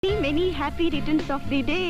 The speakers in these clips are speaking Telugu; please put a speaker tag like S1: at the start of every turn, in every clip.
S1: Many happy returns of the day.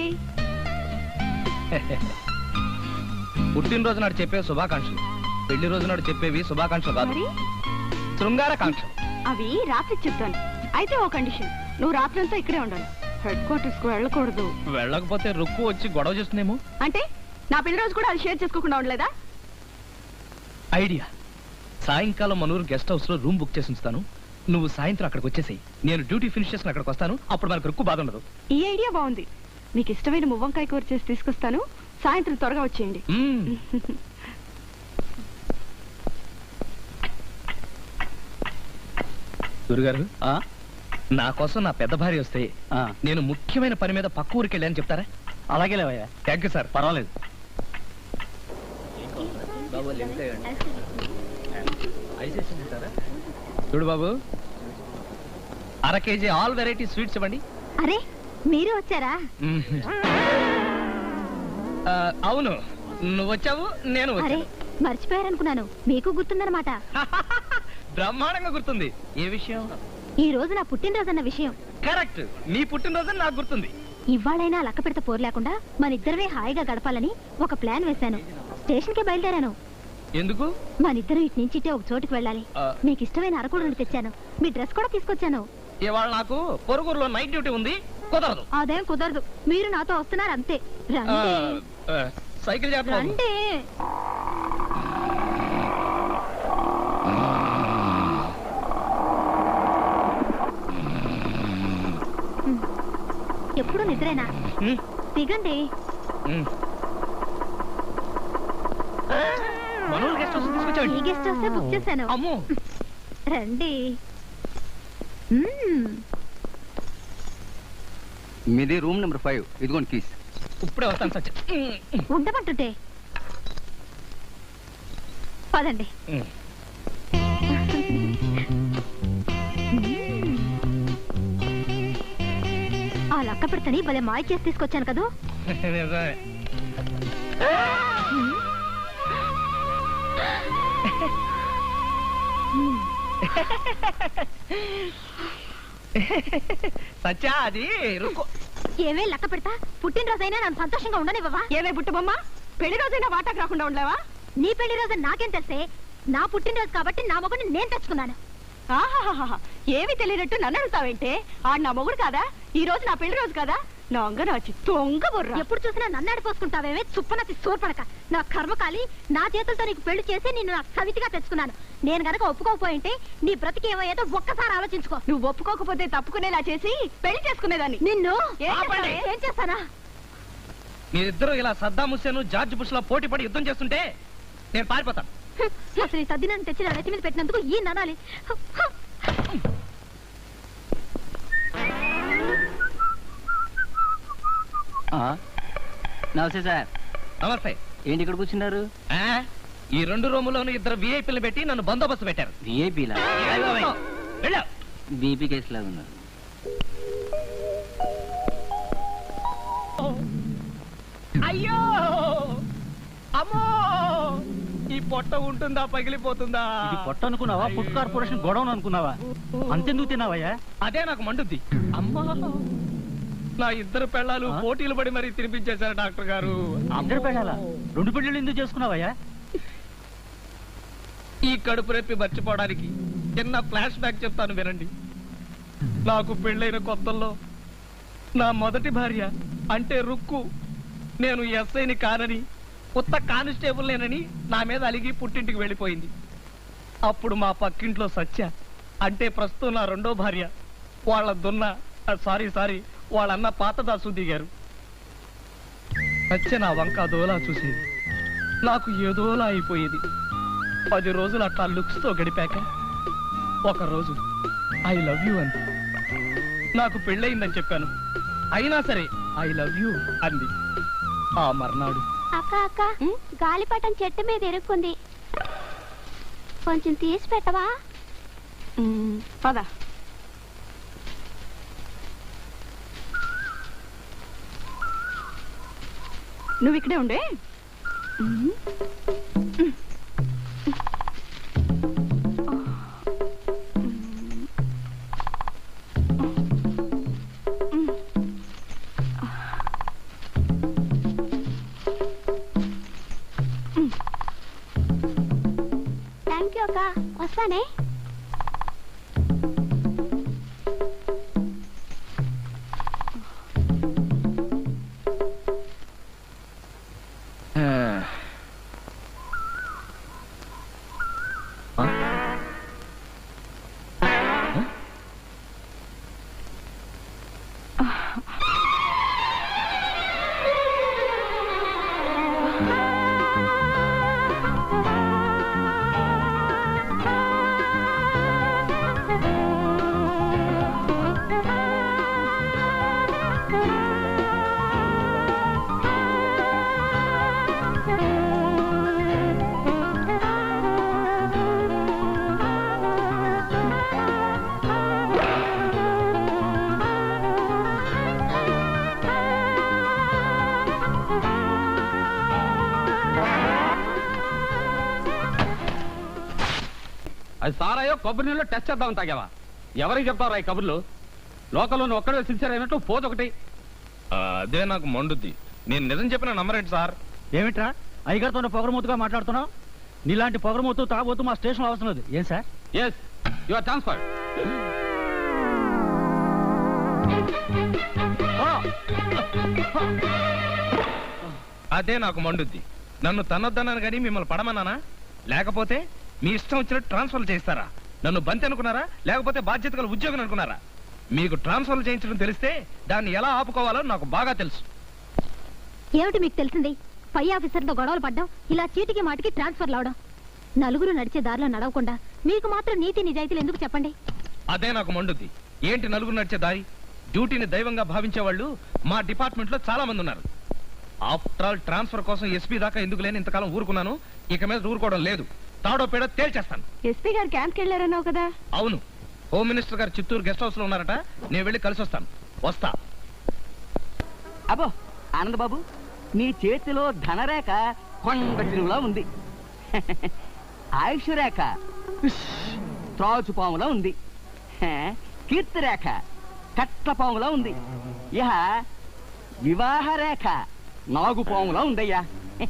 S2: పుట్టినరోజు నాడు చెప్పే శుభాకాంక్షలు, పెళ్లి రోజు నాడు చెప్పేవి శుభాకాంక్షలు కాదు,
S1: మరి
S2: శృంగారకాంక్షలు.
S1: అవి రాత్రి చెప్తాను. అయితే ఓ కండిషన్, నువ్వు రాత్రంతా ఇక్కడే ఉండాలి, హెడ్ క్వార్టర్స్ కు వెళ్ళకూడదు.
S2: వెళ్ళకపోతే రుక్కు వచ్చి గొడవ చేస్తుందేమో.
S1: అంటే నా పెళ్లి రోజు కూడా అది షేర్ చేసుకోకుండా ఉండలేదా?
S2: ఐడియా. సాయంకాలం మనూరు గెస్ట్ హౌస్ లో రూమ్ బుక్ చేసి ఉంచుతాను, నువ్వు సాయంత్రం అక్కడికి వచ్చేసేయి. నేను డ్యూటీ ఫినిష్ చేసుకుని అక్కడికి వస్తాను, అప్పుడు మనకు రుక్కు బాధ ఉండదు.
S1: ఈ ఐడియా బాగుంది. మీకు ఇష్టమైన మువ్వంకాయ కూర చేసి తీసుకొస్తాను, సాయంత్రం త్వరగా వచ్చేయండి.
S2: గురుగారు, నా కోసం నా పెద్ద భార్య వస్తే నేను ముఖ్యమైన పని మీద పక్క ఊరికి వెళ్ళాను చెప్తారా?
S3: అలాగే లేవయ్యా.
S2: Thank you sir.
S3: పర్వాలేదు.
S2: చూడు బాబు, అర కేజీ ఆల్ వెరైటీ స్వీట్స్ ఇవ్వండి.
S4: అరే మీరు వచ్చారా?
S2: అవును, నువ్వు వచ్చావు, నేను
S4: అరే
S2: వచ్చాను.
S4: మర్చిపోయారనుకున్నాను, మీకు గుర్తుందన్నమాట.
S2: బ్రహ్మాండంగా గుర్తుంది. ఏ విషయం?
S4: ఈ రోజు నా పుట్టినరోజు అన్న విషయం.
S2: కరెక్ట్, నీ పుట్టినరోజు నాకు గుర్తుంది.
S4: ఇవాళైనా లక్క పెడత పోరు లేకుండా మన ఇద్దరమే హాయిగా గడపాలని ఒక ప్లాన్ వేశాను. స్టేషన్ కి బయలుదేరాను.
S2: ఎందుకు?
S4: మనిద్దరం ఇటు నుంచి ఇటే ఒక చోటుకి వెళ్ళాలి. మీకు ఇష్టమైన అరకుడుని తెచ్చాను, మీ డ్రెస్ కూడా తీసుకొచ్చాను.
S2: ఇవాళ నాకు పొరుగురులో నైట్ డ్యూటీ ఉంది, కుదరదు.
S4: అదేం కుదరదు, మీరు నాతో వస్తున్నారు అంతే. రండి
S2: సైకిల్ చేద్దాం.
S4: రండి. ఎప్పుడు నిద్రేనా? దిగండి.
S2: మనోళ్ళు గెస్ట్ హౌస్ తీసుకొచ్చాడు.
S4: ఈ గెస్ట్ హౌస్ బుక్ చేశాను.
S2: అమ్మో,
S4: రండి.
S3: మీది రూమ్ నెంబర్ 5. ఇదిగోండి కీస్.
S2: ఇప్పుడే వస్తాను సత్య.
S4: ఉండమంటుంటే పదండి. ఆ లక్క పెడతని భలే మాయ చేసి తీసుకొచ్చాను కదూ.
S2: సత్య, అది రుక్కు.
S4: ఏవే లక్క పెడతా, పుట్టినరోజైనా నన్ను సంతోషంగా ఉండనివ్వవా?
S1: ఏవే బుట్టబొమ్మ, పెళ్లి రోజైనా వాటాకు రాకుండా ఉండలేవా?
S4: నీ పెళ్లి రోజు నాకేం తెలిసే? నా పుట్టినరోజు కాబట్టి నా మొగుడిని నేను తెచ్చుకున్నాను.
S1: ఆహాహాహా, ఏమి తెలియనట్టు నన్ను అడుగుతావేంటే? ఆడు నా మొగుడు కాదా? ఈ రోజు నా పెళ్లి రోజు కదా? నా అంగనాచి తొంగ బుర్ర.
S4: ఎప్పుడు చూసినా నన్ను ఆడిపోసుకుంటావేమే చుప్పనతి సోర్పడక. నా కర్మకాలి, నా చేతులతో నీకు పెళ్లి చేసి నిన్ను నాకు సవితిగా తెచ్చుకున్నాను. నేను గనక ఒప్పుకోకపోయింటే నీ బ్రతికి ఏమయ్యేదో ఒక్కసారి ఆలోచించుకో.
S1: నువ్వు ఒప్పుకోకపోతే తప్పుకునేలా చేసి పెళ్లి చేసుకునేదాన్ని.
S4: నిన్ను
S2: ఆపండి.
S4: ఏం చేస్తానా?
S2: మీరిద్దరూ ఇలా సద్దాం హుస్సేన్ జార్జ్ బుష్ లో పోటీ పడి యుద్ధం చేస్తుంటే నేను పారిపోతాను.
S4: అసలు ఈ సద్ది నన్ను తెచ్చి నా నెత్తి మీద పెట్టినందుకు ఈ ననాలి.
S3: నమస్తే సార్.
S2: నమస్తే.
S3: ఏంటి ఇక్కడ కూర్చున్నారు?
S2: ఈ 2 రూములోను 2 విఐపీలు పెట్టి నన్ను బందోబస్తు పెట్టారు.
S3: విఐపీలా?
S2: వెళ్ళు.
S3: బీపీ కేసు లాగా ఉన్నారు.
S2: అయ్యో, అమ్మో, ఈ పొట్ట ఉంటుందా పగిలిపోతుందా?
S3: ఇది పొట్ట అనుకున్నావా, ఫుడ్ కార్పొరేషన్ గొడవను అనుకున్నావా? అంతెందుకు తిన్నావయ్యా?
S2: అదే నాకు మండుద్ది. అమ్మా, నా 2 పెళ్ళాలు పోటీలు పడి మరీ తినిపించేశారు డాక్టర్ గారు.
S3: 2 పెళ్ళాలా? 2 పెళ్ళిళ్ళు ఎందుకు చేసుకున్నావయ్యా?
S2: ఈ కడుపు రెప్పి మర్చిపోవడానికి చిన్న ఫ్లాష్ బ్యాక్ చెప్తాను వినండి. నాకు పెళ్ళైన కొత్తల్లో నా మొదటి భార్య అంటే రుక్కు, నేను ఎస్ఐని కానని, కొత్త కానిస్టేబుల్ నేనని నా మీద అలిగి పుట్టింటికి వెళ్ళిపోయింది. అప్పుడు మా పక్కింట్లో సత్య అంటే ప్రస్తుతం నా 2వ భార్య, వాళ్ళ సారీ వాళ్ళన్న పాత దాసు దిగారు. సత్య నా వంక దోలా చూసేది, నాకు ఏదోలా అయిపోయేది. 10 రోజులు అట్లా లుక్స్ తో గడిపాక ఒకరోజు ఐ లవ్ యూ అంది. నాకు పెళ్ళయిందని చెప్పాను, అయినా సరే ఐ లవ్ యూ అంది. ఆ మర్నాడు
S4: అక్క అక్క, గాలిపటం చెట్టు మీద ఇరుక్కుంది, కొంచెం తీసి పెట్టవా?
S1: పద. నువ్వు ఇక్కడే ఉండే.
S4: వస్తానే.
S3: అది సారాయో కొబ్బరి నీళ్ళు టెస్ట్ చేద్దామని తాగావా? ఎవరికి చెప్తారా ఈ కబుర్లు? లోకల్లో నువ్వు ఒక్కడే సిన్సియర్ అయినట్టు పోదొకటి.
S2: అదే నాకు మండుద్ది. నేను నిజం చెప్పిన నమ్మరేంటి సార్?
S3: ఏమిట్రా అయ్యగారితో పొగరమూతుగా మాట్లాడుతున్నావు? నీలాంటి పొగరమూతు తాగబోతూ మా స్టేషన్ అవసరం లేదు. ఏం sir? Yes, you are transferred.
S2: అదే నాకు మండుద్ది. నన్ను తన్నొద్దన్నాను కానీ మిమ్మల్ని పడమన్నానా? లేకపోతే మీ ఇష్టం వచ్చినట్టు ట్రాన్స్ఫర్ చేస్తారా? నన్ను బంతి అనుకున్నారా, లేకపోతే బాధ్యత గల ఉద్యోగం అనుకున్నారా? మీకు ట్రాన్స్ఫర్ చేయించడం తెలిస్తే దాన్ని ఎలా ఆపుకోవాలో నాకు బాగా తెలుసు.
S4: ఏమిటి మీకు తెలిసింది? పై ఆఫీసర్తో గొడవలు పడ్డం, ఇలా చీటికి మాటికి ట్రాన్స్ఫర్ అవడం. నలుగురు నడిచే దారిలో నడవకుండా మీకు మాత్రం నీతి నిజాయితీలు ఎందుకు చెప్పండి?
S2: అదే నాకు మండుద్ది. ఏంటి నలుగురు నడిచే దారి? డ్యూటీని దైవంగా భావించే వాళ్ళు మా డిపార్ట్మెంట్ లో చాలా మంది ఉన్నారు. ఆఫ్టర్ ఆల్ ట్రాన్స్ఫర్ కోసం ఎస్పీ దాకా ఎందుకు లేని ఇంతకాలం ఊరుకున్నాను. ఇక మీద ఊరుకోవడం లేదు. తాడో పేడో తేల్చేస్తాను.
S1: ఎస్పీ గారు క్యాంప్కి వెళ్ళారన్నావు కదా?
S2: అవును, హోమ్ మినిస్టర్ గారు చిత్తూరు గెస్ట్ హౌస్ లో ఉన్నారట. నేను వెళ్ళి కలిసి వస్తాను. వస్తా.
S5: అబ్బో ఆనంద్ బాబు, నీ చేతిలో ధనరేఖ కొండటిలా ఉంది. ఆయుష్ రేఖ త్రాచుపాములా ఉంది. కీర్తి రేఖ కట్లపాములా ఉంది. ఇహ వివాహ రేఖ నాగుపాములా ఉందయ్యా.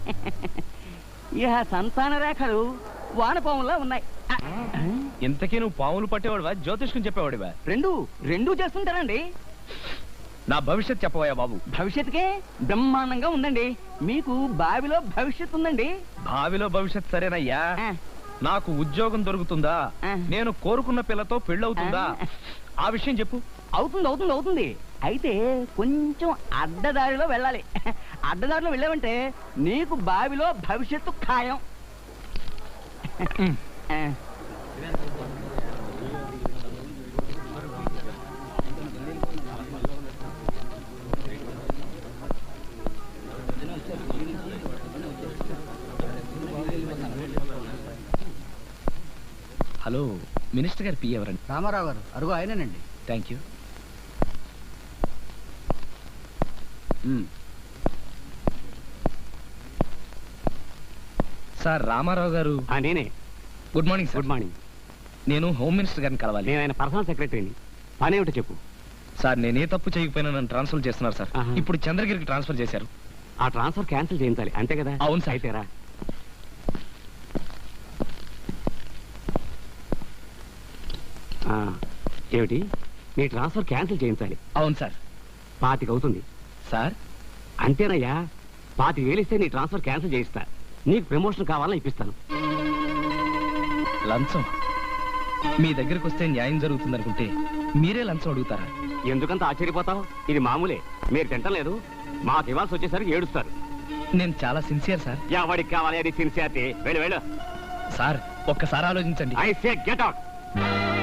S5: ఇహ సంతాన రేఖలు వానపాములా ఉన్నాయి.
S2: ఇంతకీ నువ్వు పాములు పట్టేవాడివా, జ్యోతిష్కం చెప్పేవాడివా?
S5: రెండూ చేస్తుంటారండి.
S2: నా భవిష్యత్ చెప్పవయ్యా బాబు.
S5: భవిష్యత్తుకే బ్రహ్మాండంగా ఉందండి. మీకు బావిలో భవిష్యత్తు ఉందండి.
S2: భావిలో భవిష్యత్ సరేనయ్యా.
S5: ఆ,
S2: నాకు ఉద్యోగం దొరుకుతుందా?
S5: ఆ.
S2: నేను కోరుకున్న పిల్లతో పెళ్ళవుతుందా? ఆ విషయం చెప్పు.
S5: అవుతుంది. అయితే కొంచెం అడ్డదారిలో వెళ్ళాలి. అడ్డదారిలో వెళ్ళావంటే నీకు బావిలో భవిష్యత్తు ఖాయం. ఆ.
S2: హలో, మినిస్టర్ గారు పిఏ ఎవరండి?
S3: రామారావు గారు, అరుగు ఆయనేనండి.
S2: Thank you. Sir, Ramarao garu.
S5: నేనే.
S2: Good morning sir.
S5: Good morning.
S2: నేను హోమ్ మినిస్టర్ గారిని కలవాలి.
S5: నేను ఆయన పర్సనల్ సెక్రటరీని. పనేమిటో చెప్పు.
S2: సార్, నేనే తప్పు చేయకపోయినా నన్ను ట్రాన్స్ఫర్ చేస్తున్నారు సార్.
S5: ఆహా.
S2: ఇప్పుడు చంద్రగిరికి ట్రాన్స్ఫర్ చేశారు.
S5: ఆ ట్రాన్స్ఫర్ క్యాన్సిల్ చేయించాలి, అంతే కదా?
S2: అవును సార్.
S5: అయితేరా. ఏమిటి, నీ ట్రాన్స్ఫర్ క్యాన్సిల్ చేయించాలి?
S2: అవును సార్.
S5: 25 అవుతుంది
S2: సార్,
S5: అంతేనయ్యా. 25,000 ఇస్తే నీ ట్రాన్స్ఫర్ క్యాన్సిల్ చేయిస్తా. నీకు ప్రమోషన్ కావాలని ఇప్పిస్తాను.
S2: లంచం? మీ దగ్గరికి వస్తే న్యాయం జరుగుతుంది అనుకుంటే మీరే లంచం అడుగుతారా?
S5: ఎందుకంత ఆశ్చర్యపోతావు? ఇది మామూలే. మీరు తింటలేదు, మాకు ఇవ్వాల్సి వచ్చేసరికి ఏడుస్తారు.
S2: నేను చాలా సిన్సియర్ సార్.
S5: ఎవరికి కావాలి అది సిన్సియారిటీ? వెళ్ళు.
S2: సార్, ఒక్కసారి ఆలోచించండి.
S5: I say get out.